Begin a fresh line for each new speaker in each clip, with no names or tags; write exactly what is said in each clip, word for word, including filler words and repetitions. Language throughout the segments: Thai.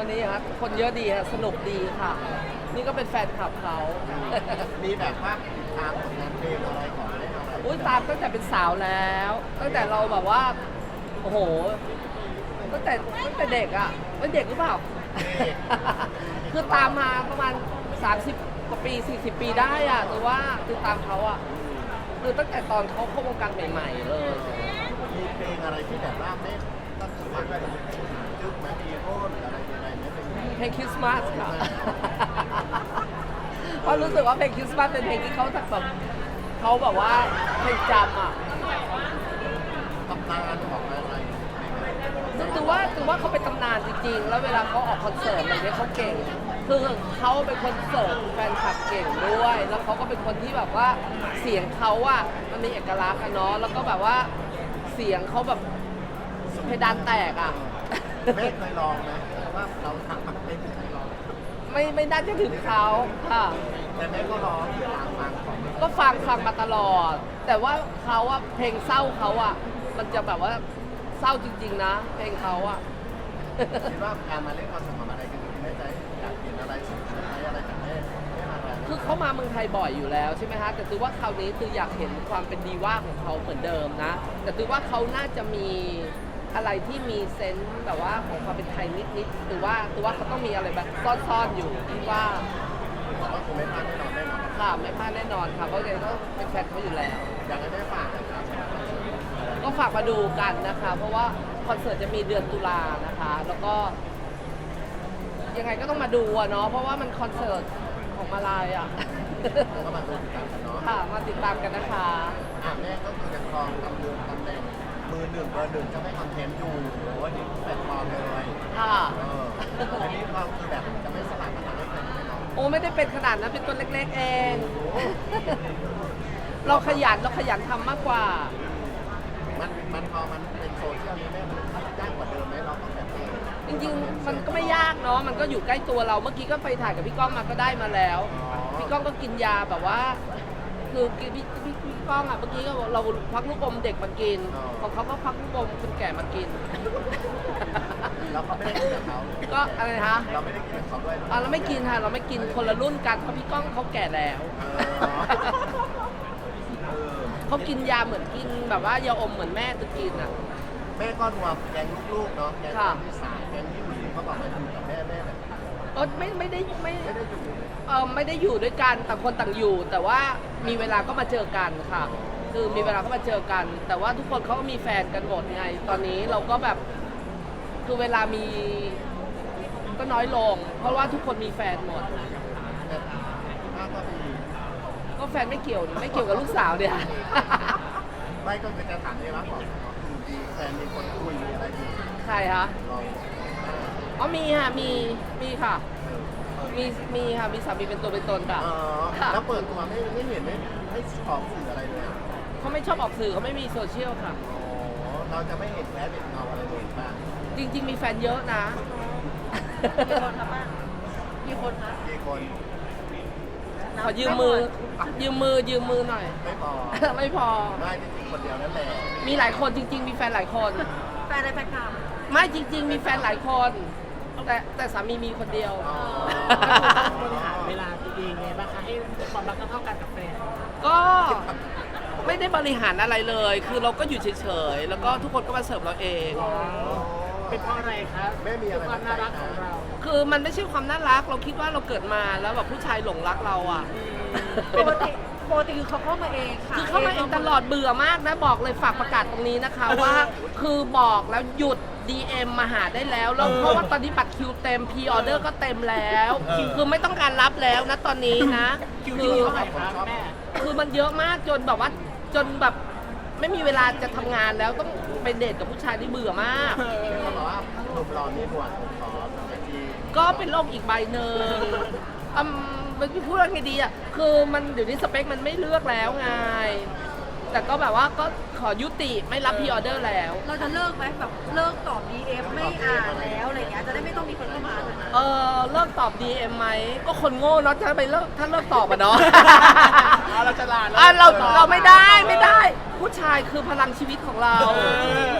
วันนี้ครับคนเยอะดีฮะสนุกดีค่ะ นี่ก็เป็นแฟนคลับเขา
มีแบบว่าติดตามผลงานเพลงอะไรของได้อะไร
อุ้ยตามตั้งแต่เป็นสาวแล้ว ตั้งแต่เราแบบว่าโอ้โหตั้งแต่ตั้งแต่เด็กอ่ะเป็นเด็กหรือเปล่า คือตามมาประมาณสามสิบกว่าปีสี่สิบปีได้อ่ะแต่ว่าคือตามเขาอ่ะคือตั้งแต่ตอนเขาเข้าวงการใหม่ๆเลย
มีเพลงอะไรที่แบบว่าไม่ต้องฟังแบบจุกไหมมีโอ้หรืออะไรยังไงไหมเป็น
เพลงคริสต์มาสค่ะ เพราะรู้สึกว่าเพลงคริสต์มาสเป็นเพลงที่เขาแบบเขาแบบว่าเพลงจำอ่ะ
ตำนานของอะไร
ถือว่าถือว่าเขาเป็นตำนานจริงๆ แล้วเวลาเขาออกคอนเสิร์ตอะไรเงี้ยเขาเก่ง คือเขาเป็นคนเสิร์ฟแฟนคลับเก่งด้วย แล้วเขาก็เป็นคนที่แบบว่าเสียงเขาอ่ะมันมีเอกลักษณ์อะเนาะ แล้วก็แบบว่าเสียงเขาแบบเพดานแตกอ่ะ
แม่เคยลองไหมว่าเราทำมันเป็นเคยลอง
ไม่ไม่น่าจะถึงเขาค่ะ
แต่แม่ก็ลองเวลาฟังของ
ก็ฟังฟังมาตลอด แต่ว่าเขาอะเพลงเศร้าเขาอะมันจะแบบว่าเศร้าจริงๆนะ เพลงเขาอะ
คิดว่าการมาเล่นคอนเสิร์ตของอะไรกันอยู่แม่ใจอยากเห็นอะไรสุดท้ายอะไรจากแม่แม่มาลอง
คือเขามาเมืองไทยบ่อยอยู่แล้วใช่ไหมฮะแต่ตือว่าคราวนี้ตืออยากเห็นความเป็นดีว่าของเขาเหมือนเดิมนะ แต่ตือว่าเขาน่าจะมีอะไรที่มีเซนส์แบบว่าของความเป็นไทยนิดๆตือว่าตือว่าเขาต้องมีอะไรแบบซ่อนๆอยู่ที่ว่า
บอกว่าคงไม่พลาดแน่นอนแน่นอน
ค่ะไม่พลาดแน่นอนค่ะเพราะเลยก็เป็นแฟนเขาอยู่แล้ว
อยากให้แม่ฝากนะครับ
ก็ฝากมาดูกันนะคะ เพราะว่าคอนเสิร์ตจะมีเดือนตุลานะคะ แล้วก็ ยังไงก็ต้องมาดูอะเนาะเพราะว่ามันคอนเสิร์ตของมาลายอะ
ก็มาดูกันเนาะ
ค่ะมาติดตามกันนะคะ
อ่ะแม่ก็คือจะครองตำแหน่งตำแหน่งมือหนึ่งเบอร์หนึ่งจะไม่คอนเทนต์อยู่โอ้ยนี่แปลกปลอมเลย
ค่ะ
เอออันนี้เราคือแบบจะไม่สลับกันอะไรกันแน่นอน
โอ้ไม่ได้เป็นขนาดนั้นเป็นตัวเล็กๆเอง เราขยันเราขยันทำมากกว่า
มันมันพอมันเป็นโซเชียลนี้แม่มันยากกว่าเดิมไหมเราต้องแบบเอง
จริงๆ มันก็ไม่ยากเนาะมันก็อยู่ใกล้ตัวเราเมื่อกี้ก็ไปถ่ายกับพี่ก้องมาก็ได้มาแล้ว พี่ก้องก็กินยาแบบว่า คือพี่พี่พี่พี่ก้องอ่ะเมื่อกี้ก็บอกเราพักลูกอมเด็กมากินของเขาก็พักลูกอมคนแก่มากิน
เราก็ไม่ได้กินกับเขา
ก็อะไรนะคะ
เราไม่ได้กินกับเขาด้วย
อ่ะเราไม่กินค่ะเราไม่กินคนละรุ่นกันเพราะพี่ก้องเขาแก่แล้ว
เออ
เขากินยาเหมือนกินแบบว่ายาอมเหมือนแม่จะกินอ่ะ
แม่ก็รวมแกงลูกๆเนาะแกง
ค่ะ
ที่สามแกงที่หวีเขาบอกมาอยู่กับแม่แม่แบบ
เออไม่ไม่ได้ไม่
ไม่ได้อยู่
เออไม่ได้อยู่ด้วยกันต่างคนต่างอยู่ แต่ว่ามีเวลาก็มาเจอกันค่ะ คือมีเวลาก็มาเจอกัน แต่ว่าทุกคนเขาก็มีแฟนกันหมดไง ตอนนี้เราก็แบบคือเวลามีก็น้อยลง เพราะว่าทุกคนมีแฟนหมด
แต่ถ้าก็มี
ก็แฟนไม่เกี่ยวไม่เกี่ยวกับลูกสาวเนี่ย
ไม่ก็คือจะถามได้ว่าก่อนอยู่ดีแฟนมีคนคุยมีอะไรอยู่
ใครคะ
ลอง
อ๋อมีค่ะมีมีค่ะ มีมีค่ะมีสามีเป็นตัวเป็นตนค่ะ
อ๋อ
ค่ะ
แล้วเปิดตัวไม่ไม่เห็นไม่ไม่ออกสื่ออะไรเลยอะ
เขาไม่ชอบออกสื่อเขาไม่มีโซเชียลค่ะ
อ๋อเราจะไม่เห็นแม้เป็นเงาอะไรเลยบ้าง
จริง ๆ มีแฟนเยอะนะ
กี่คนคะป้ากี่คนคะ
กี่คน
ขอยืมมือ ยืมมือยืมมือหน่อย
ไม่พอ
ไม่พอ
ไม่จริงๆคนเดียวนั่นแหละ
มีหลายคนจริง ๆ มีแฟนหลายคน
แฟนอะไรแฟนคลับ
ไม่จริง ๆ มีแฟนหลายคน แต่แต่สามีมีคนเดียว
อ๋อ
บริหารเวลาตัวเองไงบ้างคะให้ความรักเท่ากันกับแฟน
ก็ไม่ได้บริหารอะไรเลย คือเราก็อยู่เฉยๆ แล้วก็ทุกคนก็มาเสิร์ฟเราเอง
เป็นเพราะอะไรครับ
แม่มีอะไร
ความน่ารักของเรา
คือมันไม่ใช่ความน่ารัก เราคิดว่าเราเกิดมาแล้วแบบผู้ชายหลงรักเราอ่ะ
ปกติปกติคือเขาเข้ามาเองค่ะ
คือเข้ามาเองตลอดเบื่อมากนะบอกเลยฝากประกาศตรงนี้นะคะว่า คือบอกแล้วหยุด ดี เอ็ม มาหาได้แล้วแล้วเพราะว่าตอนนี้บัตรคิวเต็มพรีออเดอร์ก็เต็มแล้ว คือไม่ต้องการรับแล้วนะตอนนี้นะ
คิว
คื
ที่
อ
เท่าไหร่ครับแม่
คือมันเยอะมากจนแบบว่าจนแบบไม่มีเวลาจะทำงานแล้วต้องไปเดทกับผู้ชายที่เบื่อมาก
เขาบอกว่าหนุ่มรอมีบวชผมขอไอจี
ก็เป็นโรคอีกใบหนึ่งอืมมันพูดว่าไงดีอ่ะ คือมันเดี๋ยวนี้สเปคมันไม่เลือกแล้วไง แต่ก็แบบว่าก็ขอยุติไม่รับพรีออเดอร์แล้ว
เราจะเลิกไหมแบบเลิกตอบ ดี เอ็ม ไม่อ่านแล้วอะไรเงี้ยจะได้ไม่ต้องมีคนเข้ามาเลย
เออเลิกตอบ ดี เอ็ม ไหม ก็คนโง่เนาะถ้าไปเลิกถ้าเลิกตอบอะเนาะ
เราฉลาด
อ่ะเราเราไม่ได้ไม่ได้ ผู้ชายคือพลังชีวิตของเรา
เ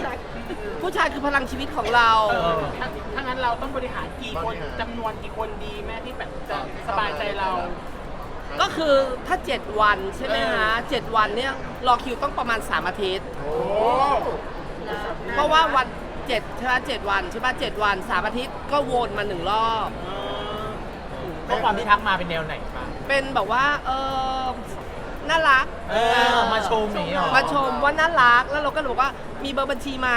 ผู้ชายคือพลังชีวิตของเรา
เออถ้าถ้างั้นเราต้องบริหารกี่คนจำนวนกี่คนดีแม่ที่แบบจะสบายใจเรา
ก็คือถ้า เจ็ด วันใช่ไหมฮะเจ็ดวันเนี่ยรอคิวต้องประมาณ สาม อาทิตย์
โอ้
เพราะว่าวันเจ็ดใช่ไหมเจ็ดวันใช่ไหมเจ็ดวัน สาม อาทิตย์ก็วนมาหนึ่งรอบ
ข้อความที่ทักมาเป็นแนวไหนบ้าง
เป็นแบบว่าเออน่ารัก
เออมาชมอย่างนี้หรอ
มาชมว่าน่ารักแล้วเราก็เลยบอกว่ามีเบอร์บัญชีไหม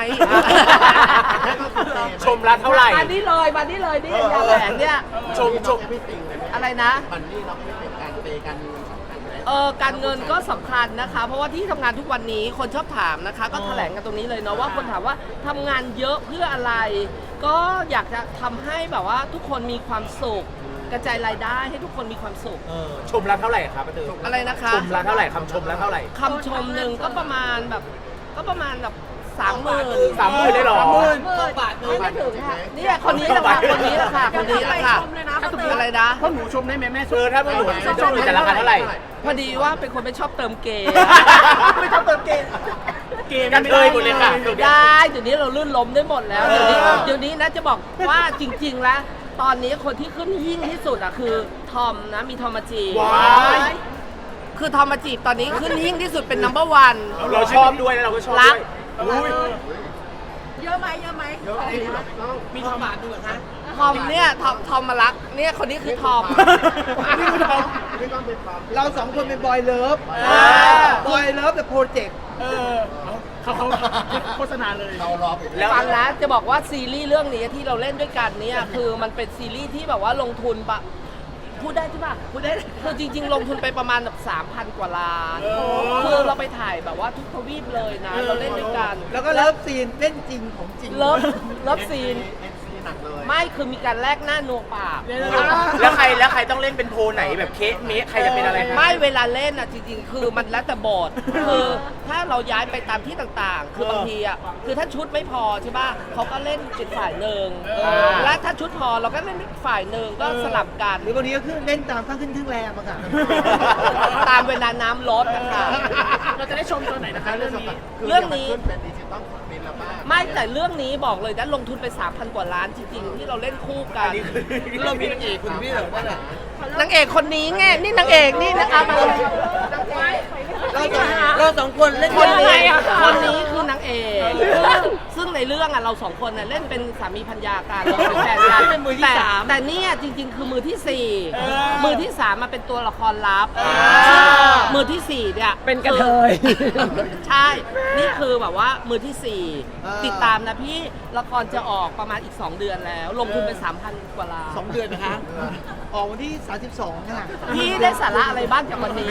ชมละเท่าไหร่
มานี่เลยมานี่เลยนี่ยาแหวนเนี่ย
ชมชม
ไม่ติงเลย
อะไรนะ
มันนี่เราไม่เป็นการเปย์การเงินสำคัญไหม
เออการเงินก็สำคัญนะคะ เพราะว่าที่ทำงานทุกวันนี้คนชอบถามนะคะ ก็แถลงกันตรงนี้เลยเนาะว่าคนถามว่าทำงานเยอะเพื่ออะไร ก็อยากจะทำให้แบบว่าทุกคนมีความสุข กระจายรายได้ให้ทุกคนมีความสุข
เออชมละเท่าไหร่ครับป้าตือ
อะไรนะคะ
ชมละเท่าไหร่คำชมละเท่าไหร่
คำชมหนึ่งก็ประมาณแบบก็ประมาณแบบสามหมื่น
สามหมื่นได้หรอ
บาทไม่ไม่ถึงค่ะเนี่ยคนนี้แหละค่ะคนนี้แหละค่ะคนนี้แหละค่ะ
ชมเลยนะ
ถ้าถูกอะไรนะ
พวกหนูชมได้ไหมแม่เออถ้าพวกหนูชมหนูจะราคาเท่าไหร่
พอดีว่าเป็นคนไม่ชอบเติมเกม
ไม่ชอบเติมเกมเกมกันเลยหมดเลยค่ะ
ได้เดี๋ยวนี้เราลื่นล้มได้หมดแล้วเดี๋ยวนี้เดี๋ยวนี้นะจะบอกว่าจริง ๆ แล้ว ตอนนี้คนที่ขึ้นหิ้งที่สุดอะคือทอมนะมีทอมมาจีบ
ว้าย
คือทอมมาจีบตอนนี้ขึ้นหิ้งที่สุดเป็น นัมเบอร์ วัน
เราชอบด้วยแล้วเราก็ชอบ
รั
ด้
ก
วยอุ้ย
เยอะไหมเยอะไหม
เยอะจริงเหรอพี่ก้อง
มีทอมบาทด้วยเหรอคะ
ทอมเนี่ยทอมทอมมารักเนี่ยคนนี้คือทอม
พี่ก้องเป็นความ
เราสองคนเป็นบอยเลิฟ
อ่า
บอยเลิฟแต่โปรเจกต์
เออเขาเขาโฆษณาเลย
เรารอไป
แล้ว
ฟังนะจะบอกว่าซีรีส์เรื่องนี้ที่เราเล่นด้วยกันเนี่ยคือมันเป็นซีรีส์ที่แบบว่าลงทุนปะพูดได้ใช่ปะพูดได้คือจริง ๆ ลงทุนไปประมาณแบบสามพันกว่าล้านคือเราไปถ่ายแบบว่าทุกทวีปเลยนะ เราเล่นด้วยกัน
แล้วก็เลิฟซีนเล่นจริงของจริง
เลิฟเลิฟซีน
เอ็นซีหนักเลย
ไม่คือมีการแลกหน้านัวปาก
แล้วใครแล้วใครต้องเล่นเป็นโพไหนแบบเคสเมสใครจะเป็นอะไรคะ
ไม่เวลาเล่นอ่ะจริงๆ คือมันแล้วแต่บทคือถ้าเราย้ายไปตามที่ต่างๆ คือบางทีอ่ะคือถ้าชุดไม่พอใช่ป่ะเขาก็เล่นเป็นฝ่ายหนึ่งและถ้าชุดพอเราก็เล่นเป็นฝ่ายหนึ่งก็สลับกัน
หรือบางทีก็คือเล่นตามข้างขึ้นข้างแรมอะค่ะ
ตามเวลาน้ำลดนะคะ
เราจะได้ชมตัวไหนนะคะเรื่องนี้
เรื่องนี้
ขึ้นเป็นดิจิตอลฟุตปรินท์แล้วบ้าง
ไม่แต่เรื่องนี้บอกเลยนะลงทุนไป สามพัน กว่าล้านจริงๆ ที่เราเล่นคู่กัน
เรามีนางเอกคนนี้เหรอนั่นแหละ
นางเอกคนนี้ไงนี่นางเอกนี่นะคะมา
เราสองเราสองคนเล่น
คน
เรื่
นี้
อง
คนนี้คือนางเอกซึ่งในเรื่องอ่ะเราสองคนน่ะเล่นเป็นสามีภรรยากันเราเป็นแฟนกันแต่แต่เนี่ยจริง ๆ คือมือที่สี่มือที่สามมาเป็นตัวละครลับซึ่งมือที่สี่เนี่ยเป็นกระเทยใช่ นี่คือแบบว่ามือที่สี่ติดตามนะพี่ละครจะออกประมาณอีกสองเดือนแล้ว ลงทุนไป สามพัน กว่าล้าน
สองเดือนนะคะ ออกวันที่สามสิบสองค่ะ
พี่ได้สาระอะไรบ้างจากวันนี้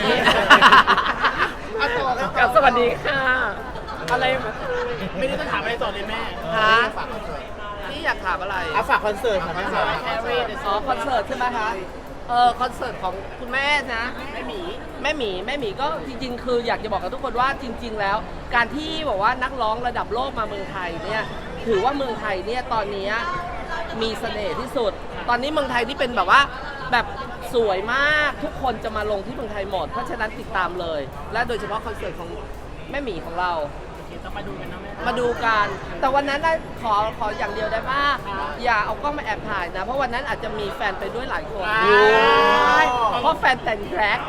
กับสวัสดีค่ะ อะไรไม่ได้ต้องถามอะไรต่อเลยแม่
ฮะพี่อยากถามอะไร
เอาฝากคอนเสิร์ตค่ะแม่ค่ะ
อ๋อคอนเสิร์ตใช่ไหมคะ เออคอนเสิร์ตของคุณแม่นะแม่หมีแม่หมีแม่หมีก็จริง ๆ คืออยากจะบอกกับทุกคนว่าจริง ๆ แล้ว การที่บอกว่านักร้องระดับโลกมาเมืองไทยเนี่ยถือว่าเมืองไทยเนี่ยตอนนี้มีเสน่ห์ที่สุด ตอนนี้เมืองไทยนี่เป็นแบบว่าแบบสวยมากทุกคนจะมาลงที่เมืองไทยหมด เพราะฉะนั้นติดตามเลย และโดยเฉพาะคอนเสิร์ตของแม่หมีของเรา
ต้องมาดูกันนะแม่
มาดูกัน แต่วันนั้นนะขอขออย่างเดียวได้ป่ะอย่าเอากล้องมาแอบถ่ายนะ เพราะวันนั้นอาจจะมีแฟนไปด้วยหลายคน เพราะแฟนแต่งแดร็ก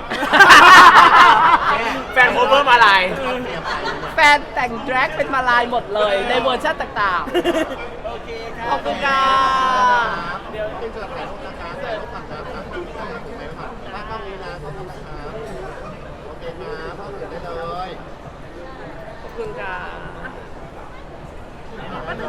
แฟนโคเวอร์มาลาย
แฟนแต่งแดร็กเป็นมาลายหมดเลยในเวอร์ชันต่างๆ
โอเคค่ะ
ขอบคุณค่ะ
เดี๋ยวเป็นจะถ่ายรูปนะคะถ่ายรูปก่อนครับถ่ายรูปก่อนถูกไหมครับถ้ากล้องนี้นะกล้องนี้นะครับโอเคครับเข้าถึงได้เลย
ขอบคุณค่ะ